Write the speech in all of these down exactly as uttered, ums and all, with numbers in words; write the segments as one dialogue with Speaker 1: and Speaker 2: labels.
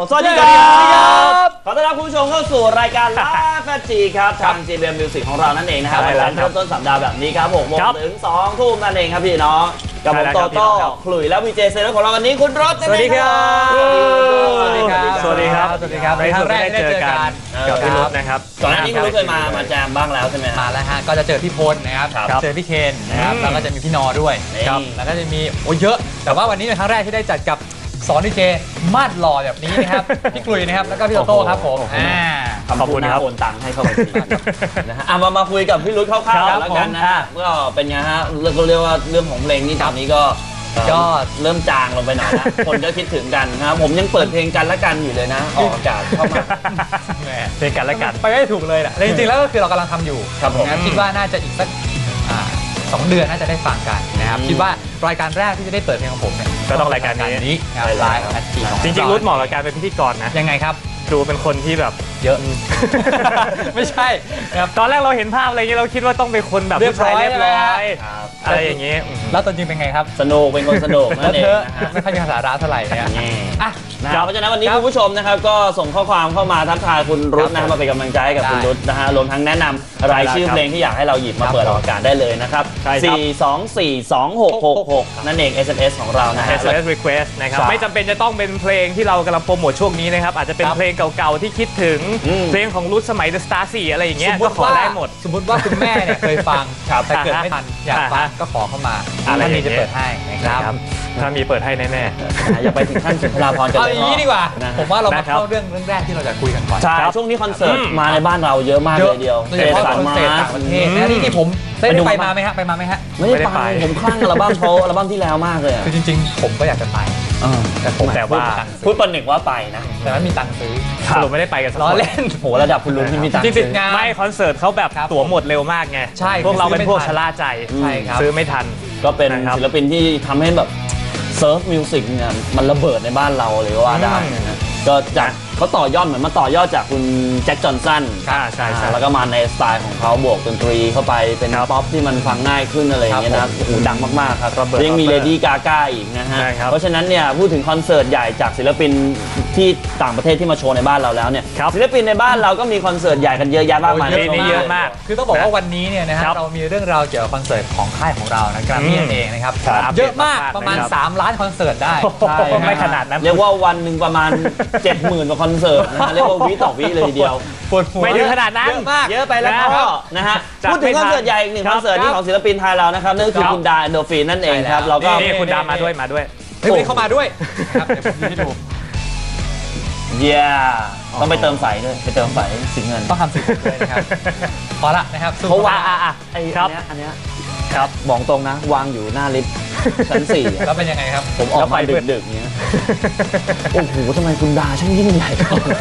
Speaker 1: สวัสดีครับขอต้อนรับคุณผู้ชมเข้าสู่รายการไลฟ์แฟจีครับทาง จี บี เอ็ม Music ของเรานั่นเองนะครับวันเริ่มต้นสัปดาห์แบบนี้ครับหกโมงถึงสองทุ่มนั่นเองครับพี่น้องกับผมโตโต้ขลุ่ยและวีเจเซเลของเราวันนี้คุณรถสวัสดีครับ
Speaker 2: สวัสดีครับ
Speaker 3: สวัสดีครับ
Speaker 2: สวัสดีครับในครั้งแรกได้เจอกัน
Speaker 3: กับพี่รถนะครับ
Speaker 1: ก่อนหน้านี้คุณรถเคยมามาแจมบ้างแล้วใช่ไหม
Speaker 2: มาแล้วฮะก็จะเจอพี่พลนะครับเจอพี่เคนนะครับแล้วก็จะมีพี่นอด้วยแล้วก็จะมีโอ้เยอะแต่ว่าวันนี้เป็นครั้งแรกที่ได้จัดกับสอนดีเจมาดหล่อแบบนี้นะครับพี่กลุยนะครับแล้วก็พี่โตโต้ครับผม
Speaker 1: ขอบคุณครับโอนตังค์ให้เข้าไปนะฮะมามาคุยกับพี่รุ่นคร่าวๆแล้วกันนะฮะก็เป็นไงฮะเราเรียกว่าเรื่องของเพลงนี่ตอนนี้ก็ก็เริ่มจางลงไปหน่อยนะคนก็คิดถึงกันนะครับผมยังเปิดเพลงกันละกันอยู่เลยนะออกอากาศเข้ามา
Speaker 3: เพลงกันละกัน
Speaker 2: ไปไม่ถูกเลยแหละจริงๆแล้วก็คือเรากำลังทำอยู่
Speaker 1: ครับผม
Speaker 2: คิดว่าน่าจะอีกสักสองเดือนน่าจะได้ฟังกันนะครับคิดว่ารายการแรกที่จะได้เปิดเพลงของผมเนี่ย
Speaker 3: ก็ต้องรายการนี้
Speaker 2: ไลฟ์แอดจี
Speaker 3: จริงๆรุ่นเหมาะกับการเป็นพิธีกรนะ
Speaker 2: ยังไงครับ
Speaker 3: ดูเป็นคนที่แบบ
Speaker 2: เยอะไม่ใช่
Speaker 3: ครับตอนแรกเราเห็นภาพอะไรเงี้ยเราคิดว่าต้องเป็นคนแบบผู้ชายเรียบร้อยอะไรอย่างเงี้ย
Speaker 2: แล้วตอนจริงเป็นไงครับ
Speaker 1: สนุกเป็นคนสนุกนั่นเอง
Speaker 2: ไม่ค่อยมีสาระเท่าไหร่เนี่ย
Speaker 1: อ่ะเพราะฉะนั้นวันนี้คุณผู้ชมนะครับก็ส่งข้อความเข้ามาทักทายคุณรุ่นนะมาเป็นกำลังใจให้กับคุณรุ่นนะฮะรวมทั้งแนะนำรายชื่อเพลงที่อยากให้เราหยิบมาเปิดออกอากาศได้เลยนะครับสี่ สอง สี่ สอง หก หก หกนั่นเอง เอส เอ็ม เอส ของเรานะฮะ
Speaker 3: เอส เอ็ม เอส request นะครับไม่จำเป็นจะต้องเป็นเพลงที่เรากำลังโปรโมทช่วงนี้นะครับอาจจะเป็นเพลงเก่าๆที่คิดถึงเพลงของรุ่นสมัย The Star สี่อะไรอย่างเงี้ยก็ขอได้หมด
Speaker 2: สมมติว่าคุณแม่เนี่ยเคยฟังแต่เกิดไม่ทันอยากฟังก็ขอเข้ามาถ้ามีจะเปิดให้นะครับ
Speaker 3: ถ้ามีเปิดให้แน่
Speaker 1: ๆอย่าไปถึงขั้นสุนทราภรณ์กันเลย
Speaker 2: เอาอย่างนี้ดีกว่าผมว่าเรามาเข้าเรื่องเรื่องแรกที่เราจะคุยกันก่อน
Speaker 1: ใช่ช่วงนี้คอนเสิร์ตมาในบ้านเราเยอะมากเลยเดียว
Speaker 2: โดยเฉพาะคอนเสิร์ตต่างประเทศนะนี่ที่ผมได้ไปมาไหมฮะไปมาไหมฮะ
Speaker 1: ไม่ได้ไปผมคลั่งอัลบั้มเขาอัลบั้มที่แล้วมากเลย
Speaker 2: คือจริงๆผมก็อยากจะไป
Speaker 1: แต่ผม
Speaker 3: แต่ว่า
Speaker 1: พูดประหนึ่งว่าไปนะ
Speaker 2: แต่ไม่มีตังค์ซื้อ
Speaker 3: สรุปไม่ได้ไปกัน
Speaker 2: ล้อเล่น
Speaker 1: โหระดับคุณลุงที่มีตังค์
Speaker 2: จริงๆ
Speaker 3: ไม่คอนเสิร์ตเขาแบบตั๋วหมดเร็วมากไง
Speaker 2: ใช่
Speaker 3: พวกเราเป็นพวกชะล่าใจซื้อไม่ทัน
Speaker 1: ก็เป็นศิลปินที่ทำให้แบบเซิร์ฟมิวสิกเนี่ยมันระเบิดในบ้านเราเลยว่าได้นะก็จากเขาต่อยอดเหมือนมาต่อยอดจากคุณแจ็คจอห์นสัน
Speaker 3: ใช่ใช่
Speaker 1: แล้วก็มาในสไตล์ของเขาบวกดนตรีเข้าไปเป็นป๊อปที่มันฟังง่ายขึ้นอะไรอย่างเงี้ยนะโอ้โหดังมากๆครับยังมีเลดี้กาก้าอีกนะฮะเพราะฉะนั้นเนี่ยพูดถึงคอนเสิร์ตใหญ่จากศิลปินที่ต่างประเทศที่มาโชว์ในบ้านเราแล้วเนี่ยศิลปินในบ้านเราก็มีคอนเสิร์ตใหญ่กันเยอะแยะมากมาย
Speaker 3: นี่เยอะมาก
Speaker 2: คือต้องบอกว่าวันนี้เนี่ยนะฮะเรามีเรื่องราวเกี่ยวกับคอนเสิร์ตของค่ายของเรานะกรามี่เองนะครับเยอะมากประมาณสามล้านคอนเสิร์ตได้
Speaker 3: ไม่ขนาดนั้น
Speaker 1: เรียกว่าวันหนึ่งประมาณ เจ็ดหมื่น กว่าคอนเสิร์ตนะเรียกว่าวิต่อวิเลยทีเดียว
Speaker 3: ไม่ถึงขนาดนั้น
Speaker 2: เยอะมาก
Speaker 1: เยอะไปแล้วก็นะฮะพูดถึงคอนเสิร์ตใหญ่อีกหนึ่งคอนเสิร์ตที่ของศิลปินไทยเรานะครับนั่นคือคุณดาเอนโดฟินนั่นเองครับเราก็
Speaker 3: นี่คุณดามาด้วยมาด้วย
Speaker 2: เฮ้ยเข้ามาด้วยครับเดี๋ยวผมให้ดู
Speaker 1: เย้ต้องไปเติมไฟด้วยไปเติมไฟสีเงิน
Speaker 2: ต้องทำสีด้วยนะครับพอละนะครับ
Speaker 1: เพราะว่าอ่ะไอ้อันเนี้ยอันเนี้ยครับบอกตรงนะวางอยู่หน้าลิฟต์ชั้นสี่
Speaker 2: แล้วเป็นยังไงครับ
Speaker 1: ผมออกมาดึกๆเนี้ยโอ้โหทำไมคุณดาช่างยิ่งใหญ่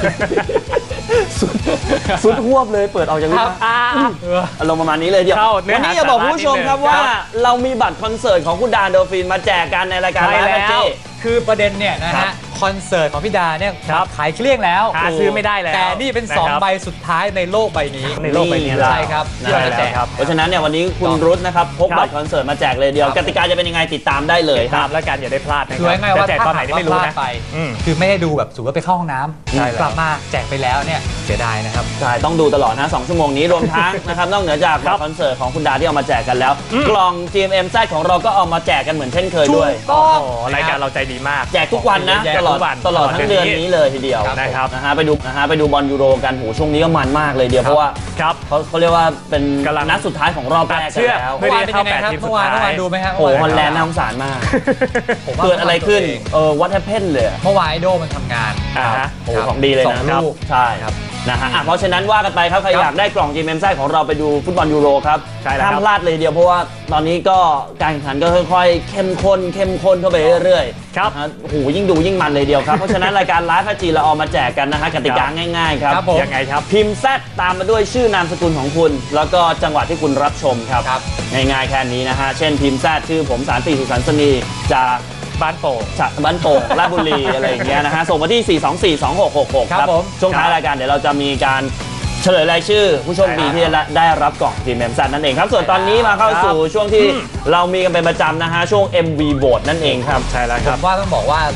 Speaker 1: สุดหวบเลยเปิดออกจากลิฟต์อารมณ์ประมาณนี้เลยเดียววันนี้จะบอกผู้ชมครับว่าเรามีบัตรคอนเสิร์ตของคุณดาเอนโดฟินมาแจกกันในรายการไลฟ์แฟจี
Speaker 2: คือประเด็นเนี่ยนะฮะคอนเสิร์ตของพี่ดาเนี่ยขายเกลี้ยงแล้ว
Speaker 3: หาซื้อไม่ได้แล้ว
Speaker 2: แต่นี่เป็นสองใบสุดท้ายในโลกใบนี้
Speaker 3: ในโลกใบนี้
Speaker 2: ใช่ครับที่เราจะแจก
Speaker 1: เพราะฉะนั้นเนี่ยวันนี้คุณรุ้นะครับพกบัตรคอนเสิร์ตมาแจกเลยเดียวกติกาจะเป็นยังไงติดตามได้เลย
Speaker 3: ครับแล้วกันอย่าได้พลาด
Speaker 2: คือง่ายๆว่าถ้าตอนไหนไม่รู้นะคือไม่ได้ดูแบบสูบไปเข้าห้องน้ำกลับมาแจกไปแล้วเนี่ยเสียดายนะครับ
Speaker 1: ใช่ต้องดูตลอดนะสองชั่วโมงนี้รวมทั้งนะครับนอกเหนือจากคอนเสิร์ตของคุณดาที่เอามาแจกกันแล้วกล่อง จี เอ็ม เอ็ม แซด ของเราก็เอามาแจกกันเหมือนเช่นเคยด้วย
Speaker 2: ก็
Speaker 3: รายการเราใจดีมาก
Speaker 1: แจกทุกวันนะตลอดตลอดทั้งเดือนนี้เลยทีเดียว
Speaker 3: นะครับ
Speaker 1: นะฮะไปดูนะฮะไปดูบอลยูโรกันโหช่วงนี้ก็มันมากเลยเดียวเพราะว่าเขาเขาเรียกว่าเป็นนัดสุดท้ายของรอบแรกแล้ว
Speaker 2: เมื่อวานเป็นยังไงครับเมื่อวานเมื่อวานดูไหมฮะ
Speaker 1: โอ้ฮอลแลนด์น่าสงสารมากเกิดอะไรขึ้นเออวัตเทเพนเลย
Speaker 2: เมื่อวานไอโดมันทำงาน
Speaker 1: โอ้ของดีเลยนะครับใช่ครับนะฮะเพราะฉะนั้นว่ากันไปครับใครอยากได้กล่อง จี เอ็ม เอ็ม แซด ของเราไปดูฟุตบอลยูโรครับห้ามพลาดเลยเดียวเพราะว่าตอนนี้ก็การแข่งขันก็ค่อยๆเข้มข้นเข้มข้นเข้าไปเรื่อย
Speaker 3: ๆครับ
Speaker 1: โอ้โหยิ่งดูยิ่งมันเลยเดียวครับเพราะฉะนั้นรายการไลฟ์แฟจีเราเอามาแจกกันนะฮะกติกาง่ายๆครับ
Speaker 3: ยังไงครับ
Speaker 1: พิมพ์แซดตามมาด้วยชื่อนามสกุลของคุณแล้วก็จังหวัดที่คุณรับชมครับง่ายๆแค่นี้นะฮะเช่นพิมพ์แซดชื่อผมสารติสุสันสนีจาก
Speaker 3: บ้านโป่ง
Speaker 1: บ้านโป่งราชบุรีอะไรอย่างเงี้ยนะฮะส่งมาที่สี่ สอง สี่ สอง หก หก หกครับช่วงท้ายรายการเดี๋ยวเราจะมีการเฉลยรายชื่อผู้โชคดีที่ได้รับกล่อง จี เอ็ม เอ็ม แซด นั่นเองครับส่วนตอนนี้มาเข้าสู่ช่วงที่เรามีกันเป็นประจำนะฮะช่วง เอ็ม วี Vote นั่นเองครับ
Speaker 3: ใช่แล้วครับ
Speaker 2: ว่าต้องบอกว่า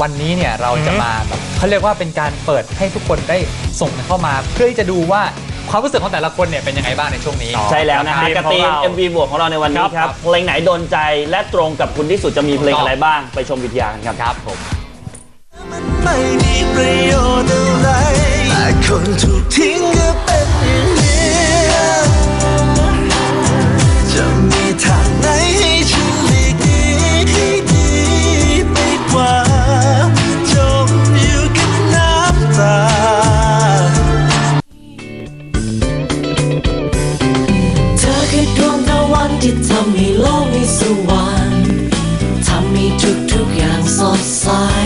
Speaker 2: วันนี้เนี่ยเราจะมาแบบเขาเรียกว่าเป็นการเปิดให้ทุกคนได้ส่งกันเข้ามาเพื่อที่จะดูว่าความรู้สึกของแต่ละคนเนี่ยเป็นยังไงบ้างในช่วงนี้
Speaker 1: ใช่แล้วนะฮะกับทีม เอ็ม วี บวกของเราในวันนี้ครับเพลงไหนโดนใจและตรงกับคุณที่สุดจะมีเพลงอะไรบ้างไปชมวิทยากันครับครับผม
Speaker 4: มันไม่มีประโยชน์อะไรแต่คนถูกทิ้งก็เป็นอย่างนี้จะมีทางไหนให้ฉันหลีกหนีให้ดีไปกว่าจมอยู่กับน้ำตาเธอคือดวงตะวันที่ทำให้โลกมีสว่างทำให้ทุกๆอย่างสดใส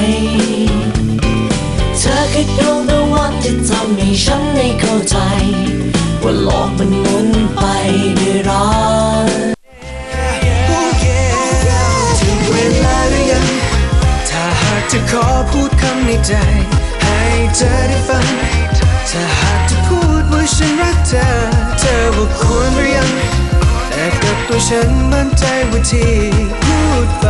Speaker 4: เธอคือดวงตะวันที่ทำให้ฉันได้เข้าใจว่าโลกมันหมุนไปด้วยรักถึงเวลาหรือยังถ้าหากจะขอพูดคำในใจให้เธอได้ฟังถ้าหากจะพูดว่าฉันรักเธอเธอว่าควรหรือยังแต่กับตัวฉันมั่นใจว่าที่พูดไป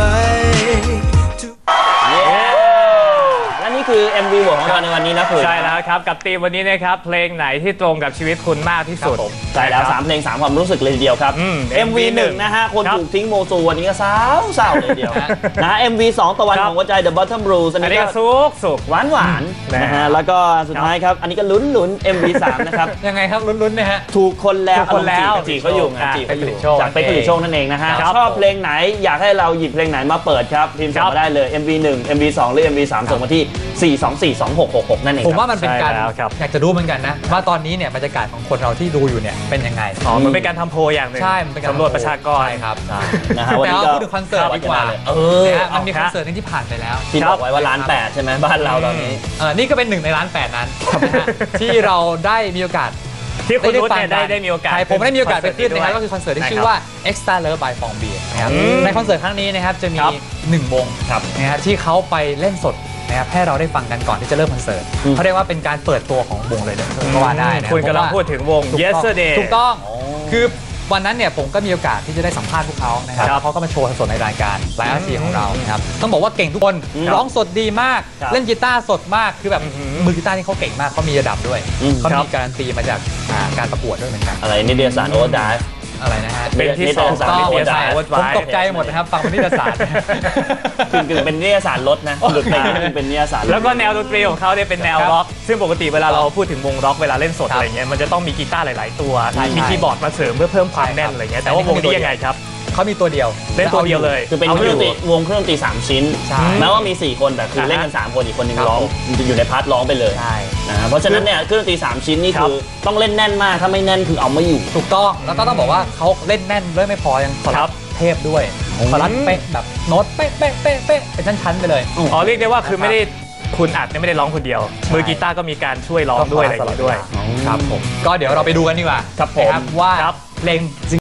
Speaker 1: และนี่คือ เอ็ม วี บวกของเราในวันนี้นะคุณ
Speaker 3: ใช่แล้วครับกับธีมวันนี้นะครับเพลงไหนที่ตรงกับชีวิตคุณมากที่สุด
Speaker 1: ใช่แล้วสามเพลงสามความรู้สึกเลยทีเดียวครับ เอ็ม วี หนึ่งนะฮะคนถูกทิ้งโมซูวันนี้ก็เศร้าเศร้าเลยเดียวนะ เอ็ม วี สองตะวันของหัวใจ The Bottom Blues
Speaker 3: อันนี้ก็สุกสุก
Speaker 1: หวานหวานนะฮะแล้วก็สุดท้ายครับอันนี้ก็ลุ้นลุ้น เอ็ม วี สามนะครับ
Speaker 2: ยังไงครับลุ้นๆเนี่ยฮะ
Speaker 1: ถูกคนแล้ว
Speaker 3: คนแล้ว
Speaker 1: จีเขาอยู่ไงจีเขาอยู่จากเป๊กผลิตโชคนั่นเองนะฮะชอบเพลงไหนอยากให้เราหยิบเพลงไหนมาเปิดครับพิมพ์ส่งมาได้เลย เอ็ม วี หนึ่ง เอ็ม วี สอง หรือ เอ็ม วี สามส่งมาที่สี่ สอง สี่ สอง หก หก หกนั่นเอง
Speaker 2: ผมว่ามันเป็นการอยากจะรู้เหมือนกันนะว่าตอนนี้เนี่ยบรรยากาศของคนเราที่ดูอยู่เนี่ยเป็นยังไง
Speaker 3: อ๋อมันเป็นการทำโพลอย่างหนึ่ง
Speaker 2: ใช่มันเป็นการ
Speaker 3: สำรวจประชากร
Speaker 2: ครับ
Speaker 1: นะฮะวัน
Speaker 2: นี้
Speaker 1: ก็
Speaker 2: พูดถึงคอนเสิร์ตดีกว่า
Speaker 1: เออ
Speaker 2: มันมีคอนเสิร์ตนึงที่ผ่านไปแล้ว
Speaker 1: ที่บอกไว้ว่าล้านแปดใช่ไหมบ้านเราตอนนี้
Speaker 2: เออนี่ก็เป็นหนึ่งในล้านแปดนั้นที่เราได้มีโอกาส
Speaker 3: ที่คุณรุ่นเนี่ยได้ได้มีโอกาส
Speaker 2: ผมได้มีโอกาสไปขึ้นนะครับก็คือคอนเสิร์ตที่ชื่อว่า Extra Love by Fong Beer นะครับในคอนเสิร์ตครั้งนี้นะครับจะมีหนึ่งวงนะครับที่เขาไปเล่นสดนะครับให้เราได้ฟังกันก่อนที่จะเริ่มคอนเสิร์ตเขาเรียกว่าเป็นการเปิดตัวของวงเลยนะก็ว่าได้นะ
Speaker 3: คุณกำลังพูดถึงวง Yesterday
Speaker 2: ถูกต้องคือวันนั้นเนี่ยผมก็มีโอกาสที่จะได้สัมภาษณ์พวกเขานะครับเขาก็มาโชว์สดในรายการไลฟ์อาร์ทีของเรานะครับต้องบอกว่าเก่งทุกคนร้องสดดีมากเล่นกีตาร์สดมากคือแบบมือกีตาร์นี่เขาเก่งมากเขามีระดับด้วยเขามีการันตีมาจากการประกวดด้วยเหมือนกัน
Speaker 1: อะไรนิตยสารโอเวอร์ไดฟ์
Speaker 2: อะไรนะฮะ
Speaker 3: เป็นที่สองสามนิตยสาร
Speaker 2: ผมตกใจหมดนะครับฟังนิตยสาร
Speaker 1: คือกึ่งเป็นนิตยสารรถนะหลุดไปก็เป็นนิตยสาร
Speaker 3: แล้วก็แนวดนตรีของเขาเนี่ยเป็นแนวร็อกซึ่งปกติเวลาเราพูดถึงวงร็อกเวลาเล่นสดอะไรเงี้ยมันจะต้องมีกีตาร์หลายๆตัวมีคีย์บอร์ดมาเสริมเพื่อเพิ่มความแน่นอะไรเงี้ยแต่ว่าวงนี้ยังไงครับ
Speaker 2: เขามีตัวเดียว
Speaker 3: เล่นตัวเดียวเลย
Speaker 1: คือเป็นวงเครื่องดนตรีสามชิ้นแม้ว่ามีสี่คนแต่คือเล่นกันสามคนอีกคนนึงร้องอยู่ในพาร์ทร้องไปเลยนะเพราะฉะนั้นเนี่ยเครื่องดนตรีสามชิ้นนี่คือต้องเล่นแน่นมากถ้าไม่แน่นคือเอาไม่อยู่
Speaker 2: ถูกต้องแล้วก็ต้องบอกว่าเขาเล่นแน่นด้วยไม่พอยังคอรัสเทพด้วยคอรัสเป๊ะแบบโน้ตเป๊ะเป๊ะเป๊ะเป๊ะเป็นชั้นๆไปเลย
Speaker 3: อ๋อเรียกได้ว่าคือไม่ได้คุณอัดเนี่ยไม่ได้ร้องคนเดียวมือกีตาร์ก็มีการช่วยร้องด้วยอะไรด้วย
Speaker 2: ครับผมก็เดี๋ยวเราไปดูกันดีกว่า
Speaker 1: ครับผม
Speaker 2: ว่าเพลง